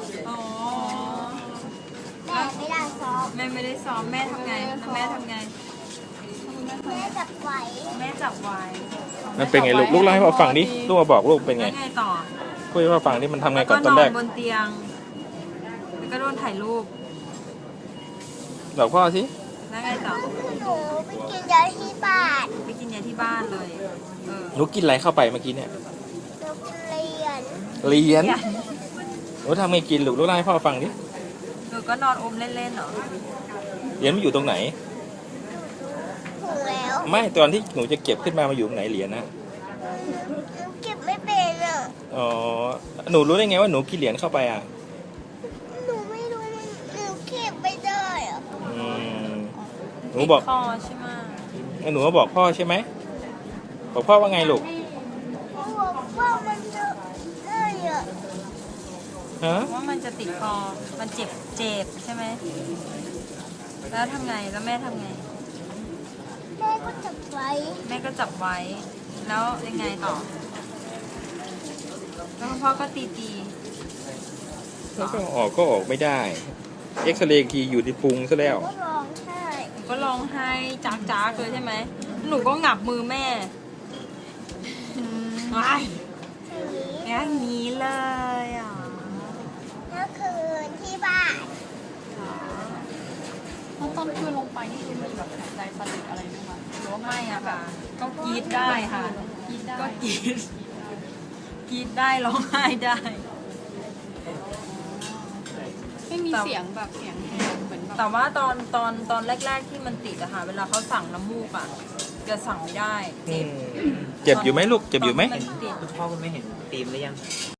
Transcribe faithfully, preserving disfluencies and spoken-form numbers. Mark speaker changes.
Speaker 1: อ๋อ
Speaker 2: แม่ไม่ได้ซ้อม
Speaker 1: แม่ไม่ได้ซ้อมแม่ทำไงแล้วแม่ทำไง
Speaker 2: แม่จับไหว
Speaker 1: แม่จับไว้
Speaker 3: มันเป็นไงลูกลูกเล่าให้พ่อฟังดิลูกมาบอกลูกเป็นไง
Speaker 1: แล้วไงต่อ
Speaker 3: คุยให้พ่อฟังดิมันทำไง
Speaker 1: แล้ว
Speaker 3: ก่
Speaker 1: ก็
Speaker 3: อนต
Speaker 1: น
Speaker 3: อน
Speaker 1: อ
Speaker 3: แร
Speaker 1: น
Speaker 3: ก
Speaker 1: บนเตียงแล้วก็โดนถ่ายรูป
Speaker 3: บอกพ่อสิ
Speaker 1: แล้วไงต่อ
Speaker 2: หนูไปกินยาที่บ้าน
Speaker 1: ไปกินยาที่บ้านเลยเออ
Speaker 3: หนูกินอะไรเข้าไปเมื่อกี้เนี่ย
Speaker 2: หนูเรียน
Speaker 3: เหรียญ
Speaker 1: อย่า
Speaker 3: หนูทำไงกินลูกลูกเล่าให้พ่อฟังดิ
Speaker 1: หนูก็นอนอมเล่นๆเหรอ
Speaker 3: เหรียญมันอยู่ตรงไหน
Speaker 2: ถูกแล้ว
Speaker 3: ไม่ตอนที่หนูจะเก็บขึ้นมามาอยู่ตรงไหนเหรียญนะ
Speaker 2: หนูเก็บไม่เป็นอ่ะ
Speaker 3: อ๋อหนูรู้ได้ไงว่าหนูกินเหรียญเข้าไปอ่ะ
Speaker 2: หนูไม่รู้มันหนูเก็บไม่ได้อ่ะ
Speaker 3: อืมหนูบอก
Speaker 1: ติดคอใช่ไหม
Speaker 3: หนูมาบอกพ่อใช่ไหมบอกพ่อว่าไงลูก
Speaker 2: เขาบอกว่ามันจะได้อ่ะ
Speaker 3: ฮะ
Speaker 1: ว่ามันจะติดคอมันเจ็บเจ็บใช่ไหมแล้วทำไงแล้วแม่ทำไง
Speaker 2: แม่ก็จับไว้
Speaker 1: แม่ก็จับไว้ แล้วยังไงต่อ แล้วคุณพ่อก็ตีตี
Speaker 3: แล้วก็ออกก็ออกไม่ได้เอ็กซเรย์อีกทีอยู่ที่พุงซะแล้ว
Speaker 2: ก็ร้องไห้
Speaker 1: หนูก็ร้องไห้จากจากๆเลยใช่ไหม หนูก็งับมือแม่ว้าย
Speaker 2: ทีนี้
Speaker 1: อย่างนี้เลยอ่ะ
Speaker 2: เมื่อคืนที่บ้าน
Speaker 4: แล้วตอนคืนลงไปนี่คือมีแบบหายใจสะดุดอะไรไหมคะหรือว่าไม่
Speaker 1: ไม่อะค่ะ ก็กรีดได้ค่ะ
Speaker 4: กินได้
Speaker 1: ก็กรีดกรีดได้ร้องไห้ได้
Speaker 4: ไม่มีเสียงแบบเสียงเหมือนแบบ
Speaker 1: แต่ว่าตอนตอนตอนแรก ๆที่มันติดอะค่ะ เวลาเขาสั่งน้ำมูกอะจะสั่งไม่ได้
Speaker 3: อืมเจ็บอยู่ไหมลูกเจ็บอยู่ไหม
Speaker 1: ตนที่นติด
Speaker 5: คุณพ่อคุณไม่เห็นตีมหรือยัง